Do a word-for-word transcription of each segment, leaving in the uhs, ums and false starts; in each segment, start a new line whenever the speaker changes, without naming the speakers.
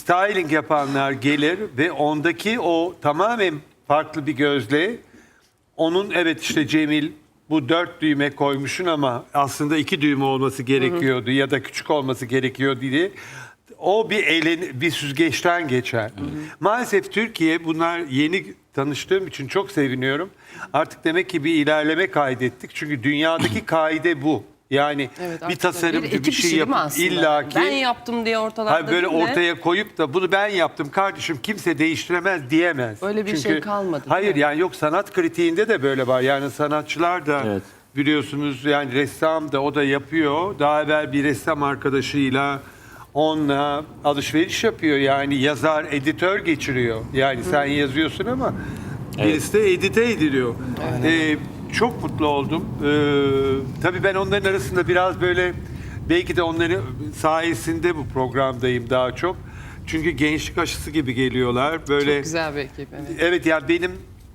styling yapanlar gelir ve ondaki o tamamen farklı bir gözle onun evet işte Cemil bu dört düğme koymuşsun ama aslında iki düğme olması gerekiyordu hı hı. ya da küçük olması gerekiyor diye o bir elin bir süzgeçten geçer. Hı hı. Maalesef Türkiye bunlar yeni tanıştığım için çok seviniyorum. Artık demek ki bir ilerleme kaydettik. Çünkü dünyadaki kaide bu. Yani
evet,
bir tasarımcı bir, bir şey yapıp illaki
ben yaptım diye ortalarda
böyle
değil
ortaya de, koyup da bunu ben yaptım kardeşim kimse değiştiremez diyemez.
Öyle bir
Çünkü,
şey kalmadı.
Hayır yani yok sanat kritiğinde de böyle var. Yani sanatçılar da evet. biliyorsunuz yani ressam da o da yapıyor. Daha evvel bir ressam arkadaşıyla onunla alışveriş yapıyor. Yani yazar, editör geçiriyor. Yani Hı. sen yazıyorsun ama evet. birisi de edite ediliyor. Evet. Ee, çok mutlu oldum. Ee, tabii ben onların arasında biraz böyle belki de onların sayesinde bu programdayım daha çok. Çünkü gençlik aşısı gibi geliyorlar. Böyle
çok güzel bir ekip. Evet,
evet yani benim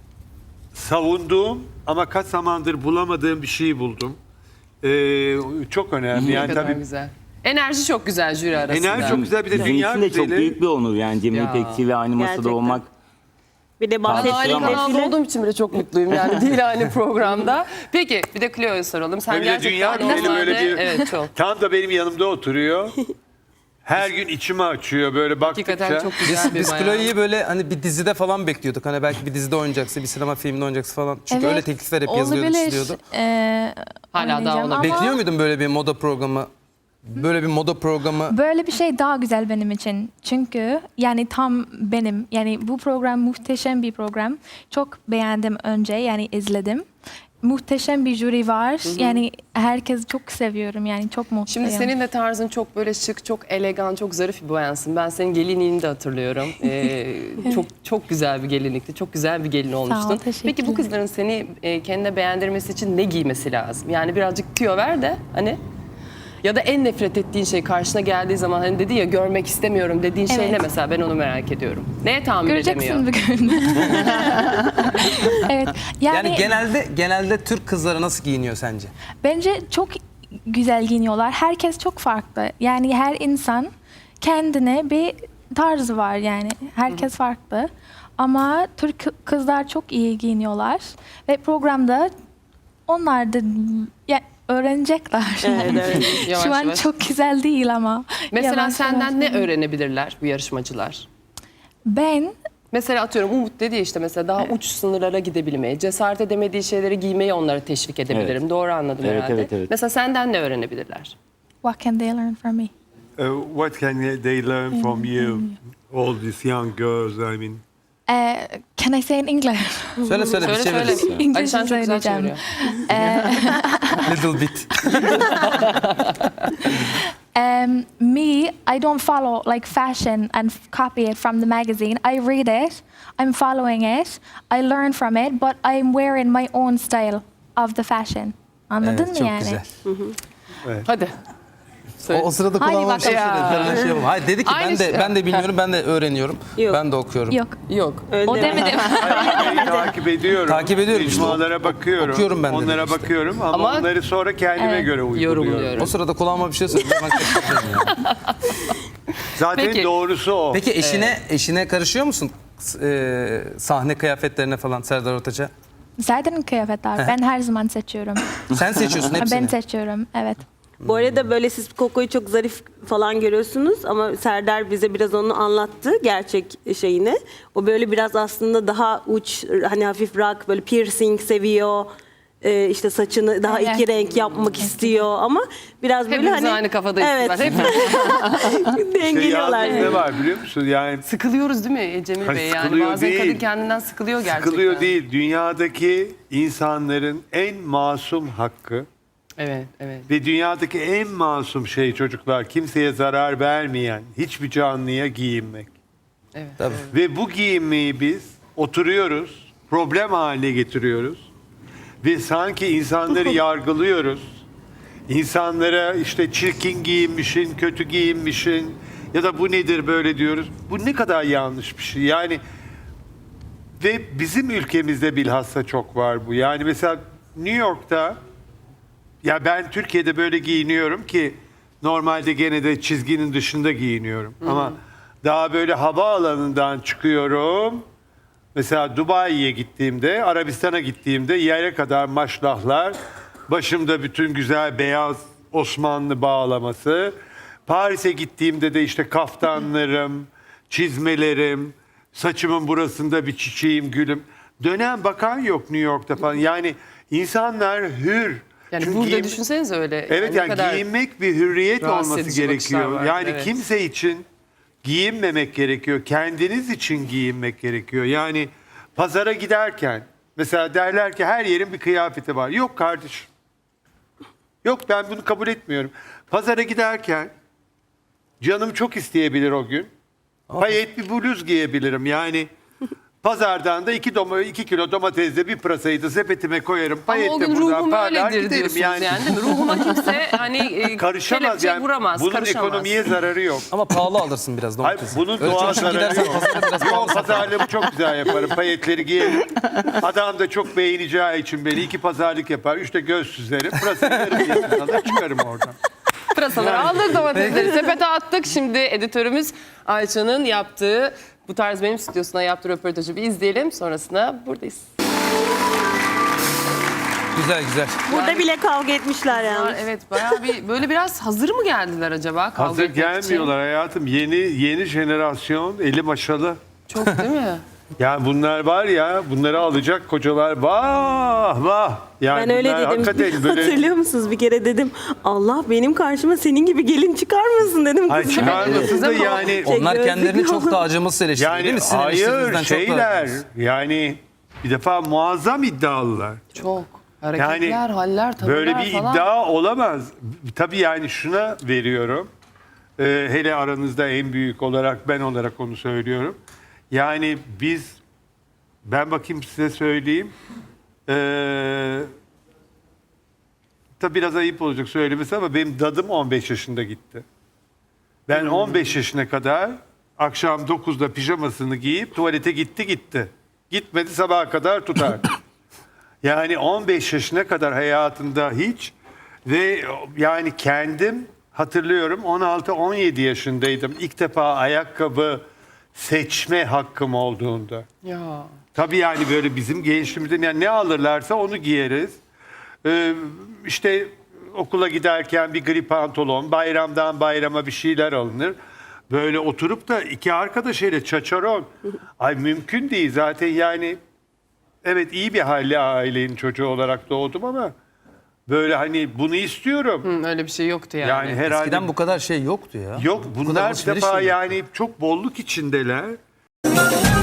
savunduğum ama kaç zamandır bulamadığım bir şeyi buldum. Ee, çok önemli. Yani
ne kadar
tabii
güzel. Enerji çok güzel jüri arasında.
Enerji çok güzel bir de
Bizim
dünya
için de
güzeli.
çok büyük bir onur yani Cemil İpekçi ve aynı masada
Gerçekten.
olmak.
Bir de
Ben aynı
bahsettiğim
kanalda
defile.
olduğum için bile çok mutluyum yani değil aynı programda. Peki bir de Cleo'ya soralım. Sen
Bir de dünya
gerçekten
güzeli böyle bir
evet çok.
tam da benim yanımda oturuyor. Her gün içimi açıyor böyle baktıkça.
Hakikaten çok güzel
Biz,
bir
biz
bayan.
Chloe'yi böyle hani bir dizide falan bekliyorduk. Hani belki bir dizide oynayacaksa, bir sinema filminde oynayacaksa falan. Çünkü
Evet,
öyle teklifler hep yazılıyordu,
olabilir.
çiziliyordu.
Ee,
Hala daha
oynayacağım
olabilir.
ama
Bekliyor muydun böyle bir moda programı? Böyle bir moda programı.
böyle bir şey daha güzel benim için. Çünkü yani tam benim. Yani bu program muhteşem bir program. Çok beğendim önce yani izledim. Muhteşem bir jüri var. Hı hı. Yani herkes çok seviyorum yani çok mutluyum.
Şimdi senin de tarzın çok böyle şık, çok elegan, çok zarif bir bayansın. Ben senin gelinliğini de hatırlıyorum. Ee, çok çok güzel bir gelinlikti. Çok güzel bir gelin olmuştun.
ol, teşekkürler.
Peki bu kızların seni e, kendine beğendirmesi için ne giymesi lazım? Yani birazcık tüyo ver de hani ya da en nefret ettiğin şey karşına geldiği zaman hani dedi ya görmek istemiyorum dediğin şey
Evet.
ne mesela ben onu merak ediyorum. Neye tahammül
Göreceksin
edemiyor?
bugün. Evet. Yani,
Yani genelde genelde Türk kızları nasıl giyiniyor sence?
bence çok güzel giyiniyorlar. Herkes çok farklı. Yani her insan kendine bir tarzı var yani. Herkes Hı. farklı. Ama Türk kızlar çok iyi giyiniyorlar. Ve programda onlar da ya, öğrenecekler.
Evet, evet.
Yavaş
Şu an
yavaş.
çok güzel değil ama.
Mesela
Yavaş
senden
yavaş.
ne öğrenebilirler bu yarışmacılar?
Ben
Mesela atıyorum Umut dedi ya işte mesela daha uç sınırlara gidebilmeyi, cesaret edemediği şeyleri giymeyi onlara teşvik edebilirim.
Evet.
Doğru anladım
Evet,
herhalde.
evet, evet.
Mesela senden ne öğrenebilirler?
what can they learn from me?
Uh, what can they learn from you? All these young girls, I mean.
Uh, can I say in English?
Söyle söyle bir
Söyle söyle.
çeviririz.
Ali
İngilizce
sen çok güzel
söyleyeceğim.
çeviriyor.
Little bit.
Um, me, I don't follow like fashion and f- copy it from the magazine. I read it, I'm following it, I learn from it, but I'm wearing my own style of the fashion. Anladın
Evet,
mı
çok
yani?
güzel.
Hadi.
O,
Söyle.
o sırada
Hadi
kulağıma bir şey
bakalım.
söyledi. Ben şey yapalım. Hayır dedi ki
Aynı
ben de
şey.
ben de bilmiyorum, ben de öğreniyorum.
Yok.
Ben de okuyorum.
Yok,
Yok.
Öyle
o
deme.
demedim.
Hayır, takip ediyorum.
Takip ediyorum işte.
Mecmualara bakıyorum.
Okuyorum ben de
Onlara
işte.
bakıyorum ama,
Ama-
onları sonra kendime
Evet.
göre uyguluyorum.
Yorumluyorum.
O sırada kulağıma bir şey söyledi. Ben kaçırdım ya.
Zaten
Peki.
doğrusu o.
Peki eşine eşine karışıyor musun? S- e, sahne kıyafetlerine falan Serdar Ortaç'a?
Zaten kıyafetler ben her zaman seçiyorum.
Sen seçiyorsun hepsini.
Ben seçiyorum, evet.
Bu arada böyle siz Koko'yu çok zarif falan görüyorsunuz ama Serdar bize biraz onu anlattı gerçek şeyini. O böyle biraz aslında daha uç hani hafif rock böyle piercing seviyor. Ee, işte saçını daha
Evet.
iki renk yapmak istiyor ama biraz böyle
Hepimiz
hani
aynı kafadayız.
evet.
Hepimiz
İşte
dengeliyorlar.
yalnız ne var biliyor musun? Yani
sıkılıyoruz değil mi Cemil
Hayır,
Bey? Yani
sıkılıyor
bazen
değil.
kadın kendinden sıkılıyor gerçekten.
sıkılıyor değil. Dünyadaki insanların en masum hakkı
Evet, evet.
ve dünyadaki en masum şey çocuklar kimseye zarar vermeyen hiçbir canlıya giyinmek.
Evet.
Tabii.
Ve bu giyinmeyi biz oturuyoruz, problem haline getiriyoruz. Ve sanki insanları yargılıyoruz. İnsanlara işte çirkin giyinmişsin, kötü giyinmişsin ya da bu nedir böyle diyoruz. Bu ne kadar yanlış bir şey. Yani ve bizim ülkemizde bilhassa çok var bu. Yani mesela New York'ta ya ben Türkiye'de böyle giyiniyorum ki normalde gene de çizginin dışında giyiniyorum. Ama Daha böyle havaalanından çıkıyorum. Mesela Dubai'ye gittiğimde, Arabistan'a gittiğimde yere kadar maşrahlar, başımda bütün güzel beyaz Osmanlı bağlaması. Paris'e gittiğimde de işte kaftanlarım, çizmelerim, saçımın burasında bir çiçeğim, gülüm. Dönen bakan yok New York'ta falan. Yani insanlar hür.
Yani
Çünkü
burada
giyim-
düşünsenize öyle.
Evet
ne
yani
kadar
giyinmek bir hürriyet
rahatsız
olması
edici bakışlar
gerekiyor.
var,
Yani
evet.
kimse için giyinmemek gerekiyor. Kendiniz için giyinmek gerekiyor. Yani pazara giderken mesela derler ki her yerin bir kıyafeti var. Yok kardeşim. Yok, ben bunu kabul etmiyorum. Pazara giderken canım çok isteyebilir o gün. Payet bir bluz giyebilirim. Yani pazardan da iki, doma, iki kilo domatesle bir pırasayı da sepetime koyarım.
Ama
Payet
o
de
gün
buradan
ruhum
parlar
öyledir
giderim.
diyorsunuz yani. değil mi? Ruhuma kimse hani e,
Karışamaz
kelepçe
yani.
vuramaz,
Bunun
karışamaz.
ekonomiye zararı yok.
Ama pahalı alırsın biraz
Hayır,
domatesi.
bunun
Ölçü
doğal
ölçü
zararı
gidersen
yok.
pazara biraz
Yok,
pahalı satar.
pazarlığımı çok güzel yaparım. Payetleri giyerim. Adam da çok beğeneceği için beni iki pazarlık yapar. Üçte göz süzerim. Pırasayı yarım yesin alır çıkarım oradan.
Pırasaları aldık, domatesleri sepete attık. Şimdi editörümüz Ayça'nın yaptığı, bu tarz benim stüdyosuna yaptığı röportajı bir izleyelim. Sonrasında buradayız.
Güzel güzel.
Burada bile kavga etmişler yani.
Evet, bayağı bir böyle biraz hazır mı geldiler acaba kavga
Hazır
etmek için?
gelmiyorlar hayatım. Yeni yeni jenerasyon eli maşalı.
Çok değil mi?
Yani bunlar var ya, bunları alacak kocalar vah vah. Yani
Ben öyle
bunlar
dedim.
hakikaten böyle...
Hatırlıyor musunuz? Bir kere dedim Allah benim karşıma senin gibi gelin çıkarmasın dedim.
Ay
kızım.
çıkarmasın
Size
da
mi?
yani...
Onlar
gözlüklü
kendilerini çok
olan-
da acımasız eleştiriyor değil
Yani
mi? Sizin
hayır
eleştirinizden çok daha
şeyler
acımasız.
yani bir defa muazzam iddialılar.
Çok. Hareketler,
Yani
haller, tavırlar
böyle bir
falan.
iddia olamaz. Tabii yani şuna veriyorum. Ee, hele aranızda en büyük olarak ben olarak onu söylüyorum. Yani biz ben bakayım size söyleyeyim. Ee, tabii biraz ayıp olacak söylemesi ama benim dadım on beş yaşında gitti. Ben on beş yaşına kadar akşam dokuzda pijamasını giyip tuvalete gitti gitti. Gitmedi sabaha kadar tutar. Yani on beş yaşına kadar hayatında hiç ve yani kendim hatırlıyorum on altı on yedi yaşındaydım. İlk defa ayakkabı seçme hakkım olduğunda.
Ya.
Tabii yani böyle bizim gençliğimizde yani ne alırlarsa onu giyeriz. Ee, işte okula giderken bir gri pantolon, bayramdan bayrama bir şeyler alınır. Böyle oturup da iki arkadaş ile çaçaron. Ay mümkün değil zaten yani. Evet iyi bir halli ailenin çocuğu olarak doğdum ama böyle hani bunu istiyorum.
Hı, öyle bir şey yoktu yani.
Yani herhalde
Eskiden bu kadar şey yoktu ya.
yok
Bu kadar
bunlar bir
alışveriş
defa
de yok.
yani çok bolluk içindeler.